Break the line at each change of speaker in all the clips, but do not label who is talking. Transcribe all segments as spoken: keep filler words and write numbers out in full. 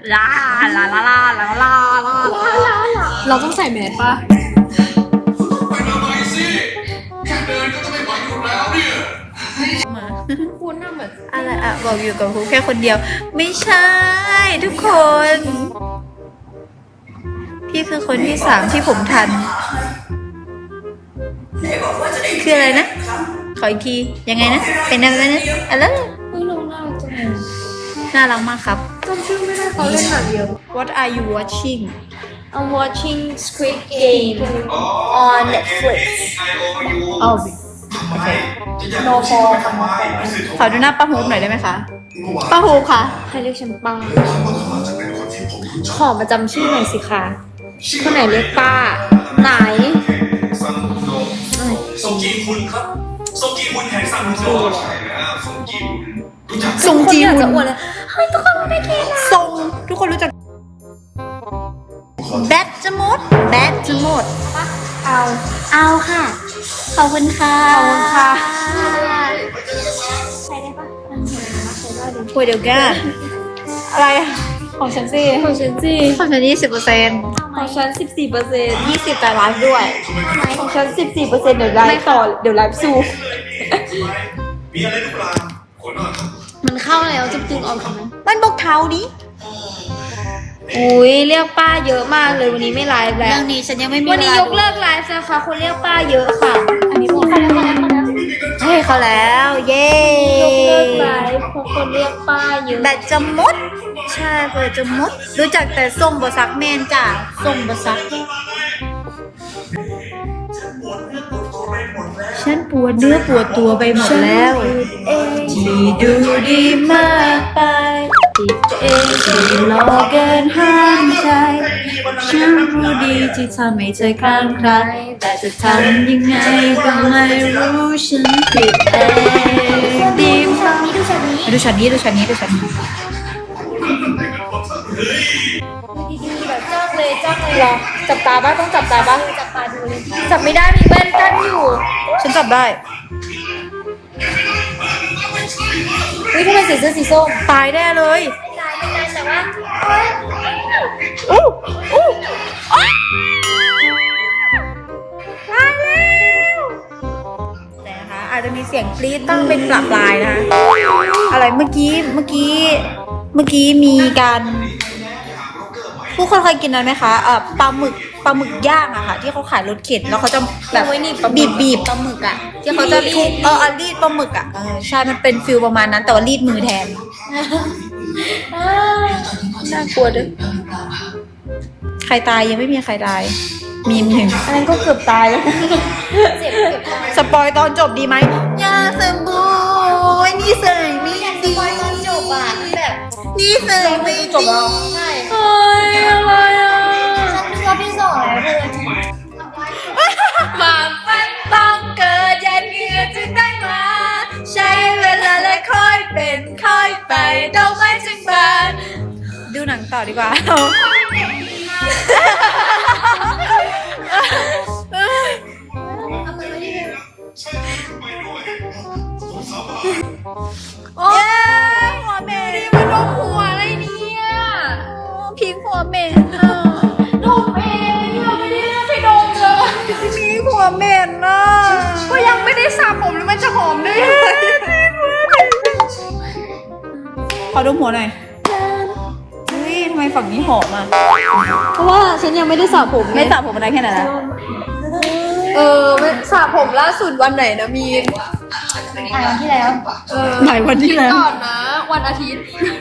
ลาลาลาลาลาลาลา
เราต้องใส่แมสป่ะ
ไปทำไมสิแค่เดินก็จะไม่ไหวอยู่แล้วเนี่ย
มา
คุณน่ะเหมือน
อะไรอ่ะบอกอยู่กับครูแค่คนเดียว ไม่ใช่ทุกคน พี่คือคนที่สามที่ผมทัน คืออะไรนะ ขออีกที ยังไงนะ เป็นอะไรนะอะไร
เฮ้ยลงหน้าจังเลย
น่ารักมากครับ
จำชื่อไม่ได้เขาเล่นหนังเยอะ
What are you watching
I'm watching Squid Game on Netflix
อ๋อ
No for
ขอดูหน้าป้าฮูบหน่อยได้ไหมคะ ป้าฮูบค่ะ
ใครเรียกฉันป้าขอมาจำชื่อหน่อยสิคะคนไหนเรียกป้า ไหน
ส่งกีคุณครับส่งกีคุณแห่งซังโจใช่แล้วส่งกีคุณรู้จัก
ทรงจี
คน
ฮุ
อยากจะ
น
อวดเลยเฮ้ยทุกคนรู้ได้ทีนะ
ทรงทุกคนรู้จักแบทจะหมดแบทจะหมด
เอา
เอาค่ะ ขอบคุณค่ะ
ขอบคุณค่ะ
ใช้ได้ปะคุยเดี๋ยวกัน อะไรอะของฉันสิ
ของฉันสิ
ของฉันยี่สิบเปอร์เซ็นต์
ของฉันสิบสี่เปอร์เซ็นต์
ยี่สิบแต่ไลฟ์ด้วย
ของฉันสิบสี่เปอร์เซ็นต์เดี๋ยวไลฟ์ต่อเดี๋ยวไลฟ์สู้
มีอะไรหรือเปล่าคนนอน
มันเข้าแล้วจะดึงออกทำไม
มันบอกเท้าดิ
อุ้ยเรียกป้าเยอะมากเลยวันนี้ไม่ไลฟ์แล้
เรื่
ว
องนี้ฉันยังไม่มี
วันนี้
วาย
กเลิกไลฟ์นะคะคนเรียกป้าเยอะค่ะ อันนี้บอกเขาแล้วเขาแล้วเขาแล้ว
เฮ้ยเขาแล้ว เย้
ยกเลิกไลฟ์เพราะคนเรียกป้าเยอะ
แบตจะหมด ใช่เปิดจะหมด รู้จักแต่ส่งบซักแมนจ้ะส่งบซัก ฉันปวดเนื้อปวดตัวไปหมดแล้วที่ดูดีมากไปติดเองที่หลอกเกินห้ามใจฉันรู้ดีที่ทำให้เธอข้างใคร แต่จะทำยังไงก็ไม่รู้ฉันผิดเองดีมากดูช็อตนี้ดูช็อตนี้ดูช็อตนี้ดูช็อตนี้
ดีๆแบบจ้องเลยจ้องเลยเหรอจับตาบ้างต้องจับตาบ้างจับตาดูเลยจับไม่ได้มีแว่นกั้นอยู่
ฉันจับได้
เฮ้ยทำไมใส่เสื้อสีส้ม
ตายแน่เลย
ไม่ได้ไม่ได้แต่ว่า
อู้อู้อ้าวตายแล้วแต่นะคะอาจจะมีเสียงกรี๊ดบ้างเป็นปรับปลายนะคะอะไรเมื่อกี้เมื่อกี้เมื่อกี้มีการผู้คนเคยกินนั้นไหมคะเอ่อปลาหมึกปลาหมึกย่างอะค่ะ ที่เขาขายรถเข็นแล้วเขาจะแบบบีบบีบปลาหมึกอะที่เขาจะทุบเออเอารีดปลาหมึกอะเออใช่มันเป็นฟิลประมาณนั้นแต่ว่ารีดมือแทน
น่ากลัวด้วย
ใครตายยังไม่มีใครตาย มีมหนึ่ง
อันนั้นก็เกือบตายแล้วเจ็บเกือบตาย
สปอยตอนจบดีไหมอย่าสมบูรณ์นี่ใส่ไม่ดี
ตอนจบอ่ะมันแบบ
นี่ใส่ไม่ดี
จบแล้วใช่
เฮ้ยอะไรอ่ะ
ฉันดูว่าพี่สองแล้วเพื่อน
ความฝันต้องเกิดยันเหงื่อจึงได้มา ใช้เวลาและค่อยเป็นค่อยไปดอกไม้จึงบานดูหนังต่อดีกว่าโอ้ยหัวเมย์นี่มันลงหัวอะไรเนี่ยพีหัวเมย์อ่ะ
ดมเองเราไม่ได้ไปดมเลย
พีหัวเมย์น่ะ
ก็ยังไม่ได้สระผมแล้วมันจะหอมได้ยังไง
ขอดมหัวหน่อยเฮ้ยทำไมฝั่งนี้หอมอ่ะ
เพราะว่าฉันยังไม่ได้สระผม
ไม่สระผมอะไรแค่ไหนนะ
เออไม่สระผมล่าสุดวันไหนนะมีน
วันที่แล้ว
เออ
หลายวันที่แล้ว
ก่อนนะ วันอาทิตย์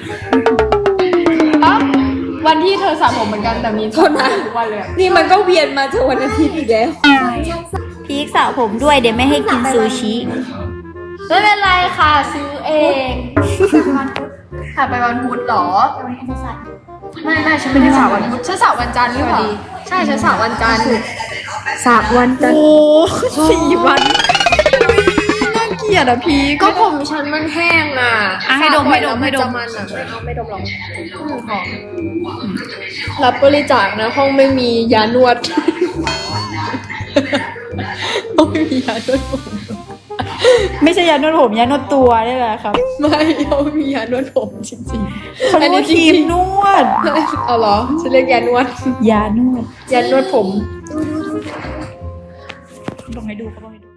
ปั๊บวันที่เธอสระผมเหมือนกันแต่มีโทษนะวันเลยนี่มันก็เวียนมาเจอวันอาทิตย์อีกแล้ว
พีกสระผมด้วยเดี๋ยวไม่ให้กินซูชิ
ไม่เป็นไรค่ะซื้อเองค่ะไปวันพุธเหรอไม่ไม่ฉันไม่ได้สระวันพุธฉันสระวันจันทร์หรือเปล่าใช่ฉันสระวันจันทร์สระวันจันทร์
โอ้สี่วันน่าเกลียดอ่ะพีก
ก็ผมฉันมันแห้งอ่ะ
อ่ะให้ดมให้ดมให้ดม
จะมันอ่ะไม่เอาไม่ดมหรอกหอมรับบริจาคนะห้องไม่มียานวด
ไม่มียาด้วยผมไม่ใช่ยานวดผมยานวดตัวนี่แหละครับ
ไม่เขามียานวดผมจริงๆ
เขา
อัน
เรียก
นี้
ว่า
จ
ครี
ริ
ม
ง
นวด
ๆเอาเหรอฉันเรียกยานวด
ยานวด
ยานวดผม
ลองให้ดูเขาลองให้ดู